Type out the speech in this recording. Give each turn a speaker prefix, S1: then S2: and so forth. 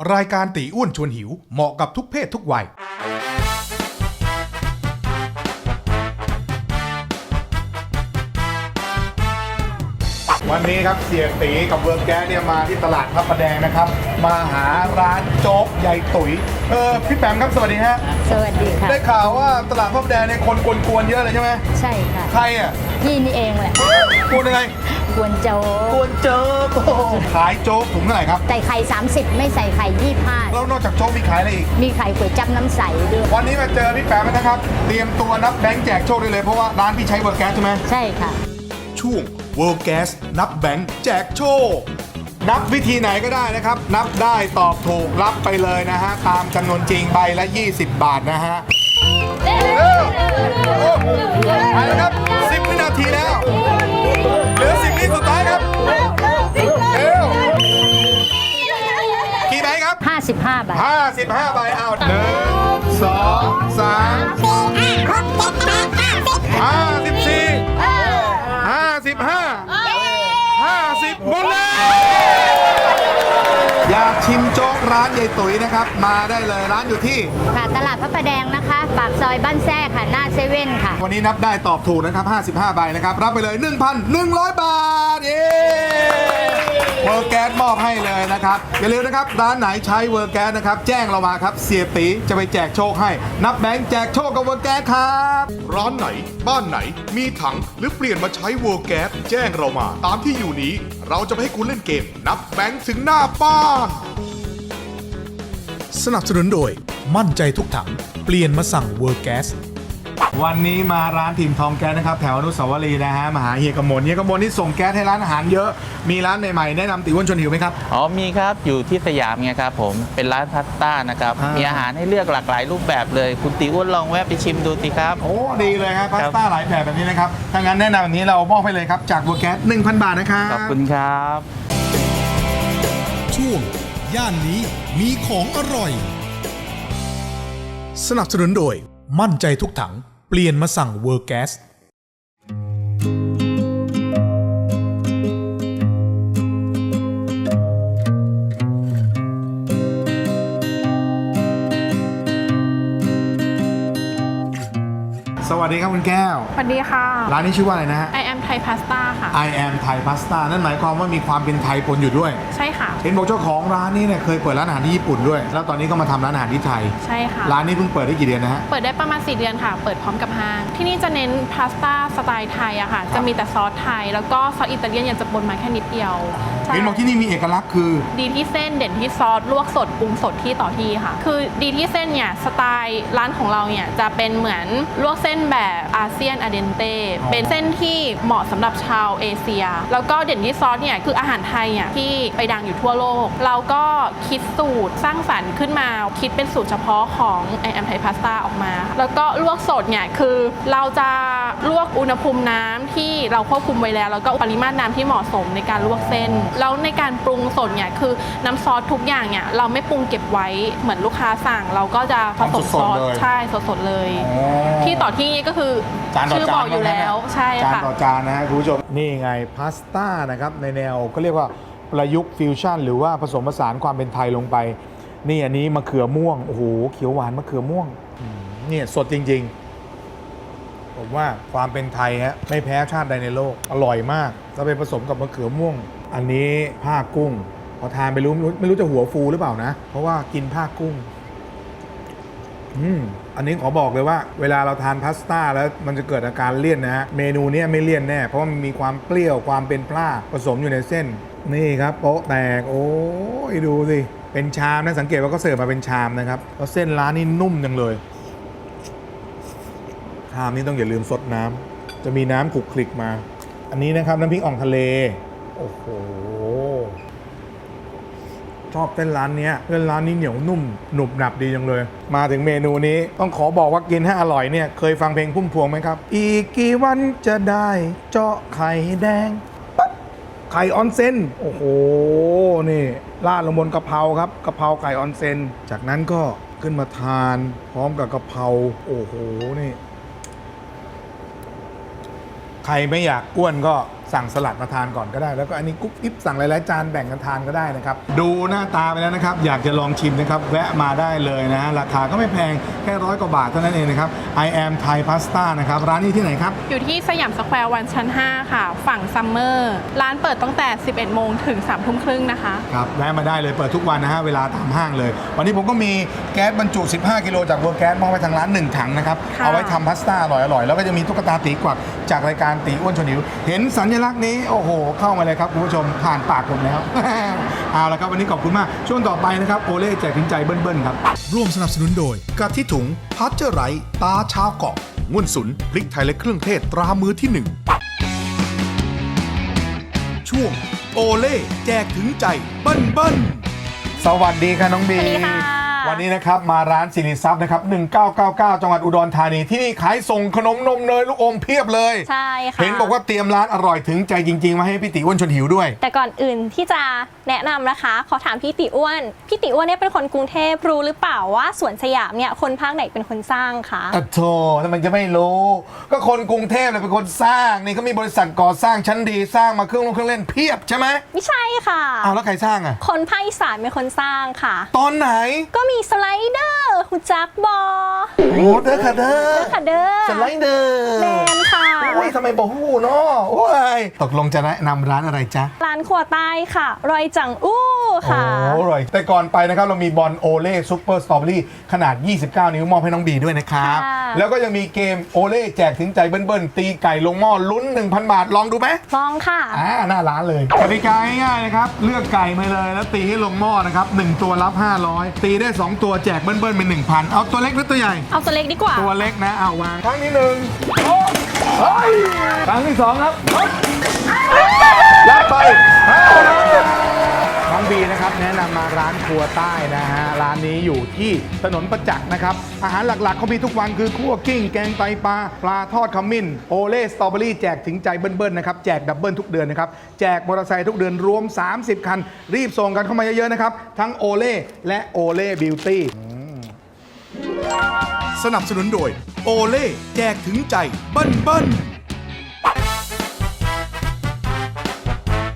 S1: รายการตีอ้วนชวนหิวเหมาะกับทุกเพศทุกวัยวันนี้ครับเสียตีกับเวิร์กแก๊สเนี่ยมาที่ตลาดพระประแดงนะครับมาหาร้านโจ๊กยายตุ๋ยพี่แปมครับสวัสดีฮะ
S2: สวัสดีค่ะ
S1: ได้ข่าวว่าตลาดพระประแดงเนี่ยคนกวนๆเยอะเลยใช่ไหม
S2: ใช่ค่ะ
S1: ใครอ่ะ
S2: พี่นี่เองแหละ
S1: กวนยังไง
S2: กวนโจ๊ก
S1: ขายโจ๊กถุงเท่าไหร่ครับ
S2: ใส่ไข่30ไม่ใส่ไข่25
S1: แล้วนอกจากโจ๊กมีขายอะไรอีก
S2: มีไข่ก๋วยจั๊บน้ำใสด้วย
S1: วันนี้มาเจอพี่แปมนะครับเตรียมตัวนับแบงค์แจกโชคได้เลยเพราะว่าร้านพี่ใช้เวิร์กแก๊สใช่ไหม
S2: ใช่ค่ะ
S1: ช่วง World Gas นับแบงค์แจกโชคนับวิธีไหนก็ได้นะครับนับได้ตอบถูกรับไปเลยนะฮะตามจำนวนจริงใบละ20 บาทนะฮะไปแล้วครับ10 วินาทีแล้วเหลือ10 วิสุดท้ายครับเร็วกี่ใบครับ
S2: 55 ใบ
S1: 55 ใบเอา1 2 3 50หมดเลยอยากชิมโจ๊กร้านยายตุ๋ยนะครับมาได้เลยร้านอยู่ที่
S2: ค่ะตลาดพระประแดงนะคะปากซอยบ้านแท้ค่ะหน้าเซเว่นค่ะ
S1: วันนี้นับได้ตอบถูกนะครับ55 ใบนะครับรับไปเลย 1,100 บาทเย้เวิร์กแก๊สมอบให้เลยนะครับอย่าลืมนะครับร้านไหนใช้เวิร์กแก๊สนะครับแจ้งเรามาครับเสียตีจะไปแจกโชคให้นับแบงค์แจกโชคกับเวิร์กแก๊สครับร้านไหนบ้านไหนมีถังหรือเปลี่ยนมาใช้เวิร์กแก๊สแจ้งเรามาตามที่อยู่นี้เราจะไปให้คุณเล่นเกมนับแบงค์ถึงหน้าบ้านสนับสนุนโดยมั่นใจทุกถังเปลี่ยนมาสั่งเวิร์กแก๊สวันนี้มาร้านทีมทองแก๊สนะครับแถวอนุสาวรีย์นะฮะมาหาเฮียกมลนี่ส่งแก๊สให้ร้านอาหารเยอะมีร้านใหม่ๆแนะนำติอ้วนชวนหิวไหมครับ
S3: อ๋อมีครับอยู่ที่สยามไงครับผมเป็นร้านพาสต้านะครับมีอาหารให้เลือกหลากหลายรูปแบบเลยคุณติอ้วนลองแวะไปชิมดูสิครับ
S1: โอ้ดีเลยครับพาสต้าหลายแบบนี้นะครับถ้างั้นแนะนำแบบนี้เรามอบให้เลยครับจากเวิร์กแก๊ส 1,000 บาทนะครับ
S3: ขอบคุณครับ
S1: ช่วงย่านนี้มีของอร่อยสนับสนุนโดยมั่นใจทุกถังเปลี่ยนมาสั่งเวิร์กแก๊สสวัสดีครับคุณแก้ว
S4: สวัสดีค่ะ
S1: ร้านนี้ชื่อว่าอะไรนะฮะ
S4: I am Thai Pasta ค่ะ
S1: I am Thai Pasta นั่นหมายความว่ามีความเป็นไทยปนอยู่ด้วย
S4: ใช่ค่ะ
S1: เห็นบอกเจ้าของร้านนี้เนี่ยเคยเปิดร้านอาหารที่ญี่ปุ่นด้วยแล้วตอนนี้ก็มาทำร้านอาหารที่ไทย
S4: ใช่ค่ะ
S1: ร้านนี้เพิ่งเปิดได้กี่เดือนนะฮะ
S4: เปิดได้ประมาณ4 เดือนค่ะเปิดพร้อมกับห้างที่นี่จะเน้นพาสต้าสไตล์ไทยอะค่ะจะมีแต่ซอสไทยแล้วก็ซอสอิตาเลียนยังจะปนมาแค่นิดเดียว
S1: เห็นบอกที่นี่มีเอกลักษณ์คือ
S4: ดีที่เส้นเด่นที่ซอสลวกสดปรุงสดที่ต่อที่ค่ะคือดีที่เส้นเนี่ยสไตล์ร้านของเราเนี่ยจะเป็นเหมือนลวกเส้นแบบอาเซียนเดนเต้เป็นเส้นที่เหมาะสำหรับชาวเอเชียแล้วก็เด่นที่ซอสเนี่ยคืออาหารไทยเนี่ยที่ไปดังอยู่ทั่วโลกเราก็คิดสูตรสร้างสรรค์ขึ้นมาคิดเป็นสูตรเฉพาะของ I am Thai Pasta ออกมาแล้วก็ลวกสดเนี่ยคือเราจะลวกอุณหภูมิน้ำที่เราควบคุมไว้แล้วแล้วก็ปริมาตรน้ำที่เหมาะสมในการลวกเส้นแล้วในการปรุงสดเนี่ยคือน้ำซอสทุกอย่างเนี่ยเราไม่ปรุงเก็บไว้เหมือนลูกค้าสั่งเราก็จะผสมซอสใช่สดๆเลยที่ต่อที่ก็คือชื่อบอกอยู่แล้วใช่ค่ะ
S1: จานต่อจานนะฮะคุณผู้ชมนี่ไงพาสต้านะครับในแนวก็เรียกว่าประยุกต์ฟิวชั่นหรือว่าผสมผสานความเป็นไทยลงไปนี่อันนี้มะเขือม่วงโอ้โหเขียวหวานมะเขือม่วงเนี่ยสดจริงๆผมว่าความเป็นไทยฮะไม่แพ้ชาติใดในโลกอร่อยมากก็ไปผสมกับมะเขือม่วงอันนี้ผ้ากุ้งพอทานไปไม่รู้จะหัวฟูหรือเปล่านะเพราะว่ากินผ้ากุ้งอันนี้ขอบอกเลยว่าเวลาเราทานพาสต้าแล้วมันจะเกิดอาการเลี่ยนนะฮะเมนูนี้ไม่เลี่ยนแน่เพราะมันมีความเปรี้ยวความเป็นปลาผสมอยู่ในเส้นนี่ครับโป๊ะแตกโอ้ยดูสิเป็นชามนะสังเกตว่าก็เสิร์ฟมาเป็นชามนะครับแล้วเส้นร้านนี่นุ่มจังเลยชามนี้ต้องอย่าลืมซดน้ำจะมีน้ำขลุกคลิกมาอันนี้นะครับน้ำพริกอ่องทะเลโอ้โหชอบเส้นร้านนี้เหนียวนุ่มหนุบหนับดีจังเลยมาถึงเมนูนี้ต้องขอบอกว่ากินให้อร่อยเนี่ยเคยฟังเพลงพุ่มพวงไหมครับอีกกี่วันจะได้เจาะไข่แดงปั๊บไข่ออนเซ็นโอ้โหนี่ราดลงบนกะเพราครับกะเพราไก่ออนเซ็นจากนั้นก็ขึ้นมาทานพร้อมกับกะเพราโอ้โหนี่ใครไม่อยากอ้วนก็สั่งสลัดมาทานก่อนก็ได้แล้วก็อันนี้กุ๊บกิ๊บสั่งหลายๆจานแบ่งกันทานก็ได้นะครับดูหน้าตาไปแล้วนะครับอยากจะลองชิมนะครับแวะมาได้เลยนะราคาก็ไม่แพงแค่100 กว่าบาทเท่านั้นเองนะครับ I am Thai Pasta นะครับร้านนี้ที่ไหนครับ
S4: อยู่ที่สยามสแควร์วันชั้น 5 ค่ะ ฝั่งซัมเมอร์ร้านเปิดตั้งแต่ 11 โมงถึง 3 ทุ่มครึ่งนะคะ
S1: ครับแวะมาได้เลยเปิดทุกวันนะฮะเวลาตามห้างเลย วันนี้ผมก็มีแก๊สบรรจุ 15 กิโลจากเวอร์แก๊สมอบไว้ทางร้าน 1 ถังนะครับ
S4: ค่ะ
S1: เอาไว้ทำพาสต้าอร่อยๆ แล้วก็จะมีตุ๊กตาตีกวักจากรายการตีอ้วนชวนหิว เห็นสัญลักษณ์นี้ โอ้โห เข้ามาเลยครับ คุณผู้ชมผ่านปากผมแล้ว เอาละครับ วันนี้ขอบคุณมาก ช่วงต่อไปนะครับโอเล่แจกถึงใจเบิ้ลๆครับ ร่วมสนับสนุนโดยกะทิถุงพัชเจอร์ไรตาชาวเกาะง่วนสุนพริกไทยและเครื่องเทศตรามือที่ 1 ช่วงโอเล่แจกถึงใจเบิ้ลสวัสดีค่ะน้องบี
S5: สวัสดีค่ะ
S1: วันนี้นะครับมาร้านสิริทรัพย์นะครับ1999 จังหวัดอุดรธานีที่นี่ขายส่งขนมนมเนยลูกอมเพียบเลย
S5: ใช่ค่ะ
S1: เห็นบอกว่าเตรียมร้านอร่อยถึงใจจริงๆ มาให้พี่ติอ้วนชวนหิวด้วย
S5: แต่ก่อนอื่นที่จะแนะนำนะคะ ขอถามพี่ติอ้วนเนี่ยเป็นคนกรุงเทพรู้หรือเปล่าว่าสวนสยามเนี่ยคนภาคไหนเป็นคนสร้างคะ
S1: อะโธ่ทำไมจะไม่รู้ ก็คนกรุงเทพเลยเป็นคนสร้างนี่เขามีบริษัทก่อสร้างชั้นดีสร้างมาเครื่องเล่นเพียบใช่ไหม
S5: ไม่ใช่ค่ะ
S1: อ้าวแล้วใครสร้างอ่ะ
S5: คนภาคอีสานเป็นคนสร้างค่ะ
S1: ตอนไหน
S5: ก็มีสไลเดอร์หุจักบอ
S1: โอ้เด้อค่ะเด้อ
S5: ค่ะเด้อ
S1: สไลเดอร์
S5: แมนค่ะ
S1: โอ้ยทำไมบอกหูเนาะโอ้ยตกลงจะแนะนำร้านอะไรจ๊ะ
S5: ร้านครัวใต้ค่ะ รอยจังอู้ค่ะ
S1: โอ้อร่อยแต่ก่อนไปนะครับเรามีบอลโอเล่ซุปเปอร์สตรอเบอรี่ขนาด 29 นิ้วมอบให้น้องบีด้วยนะครับ
S5: ค่ะ
S1: แล้วก็ยังมีเกมโอเล่แจกถึงใจเบิ้ลๆตีไก่ลงหม้อลุ้น 1,000 บาทลองดูไหม
S5: ลองค่ะ
S1: หน้าร้านเลยกติกาง่ายๆนะครับเลือกไก่มาเลยแล้วตีให้ลงหม้อนะครับ1ตัวรับ500ตีได้2ตัวแจกเบิ้ลๆเป็น 1,000 เอาตัวเล็กหรือตัวใหญ่
S5: เอาตัวเล็กดีกว่า
S1: ตัวเล็กนะเอาวางครั้งที่หนึ่งเฮ้ยครั้งที่สองครับยัดไปน้องบีนะครับแนะนำมาร้านครัวใต้นะฮะร้านนี้อยู่ที่ถนนประจักษ์นะครับอาหารหลักๆเขามีทุกวันคือคั่วกิ้งแกงไตปลาปลาทอดขมิ้นโอเล่สตรอเบอรี่แจกถึงใจเบิ้ลๆนะครับแจกดับเบิ้ลทุกเดือนนะครับแจกมอเตอร์ไซค์ทุกเดือนรวม30 คันรีบส่งกันเข้ามาเยอะๆนะครับทั้งโอเล่และโอเล่บิวตี้สนับสนุนโดยโอเล่แจกถึงใจเบิ้ล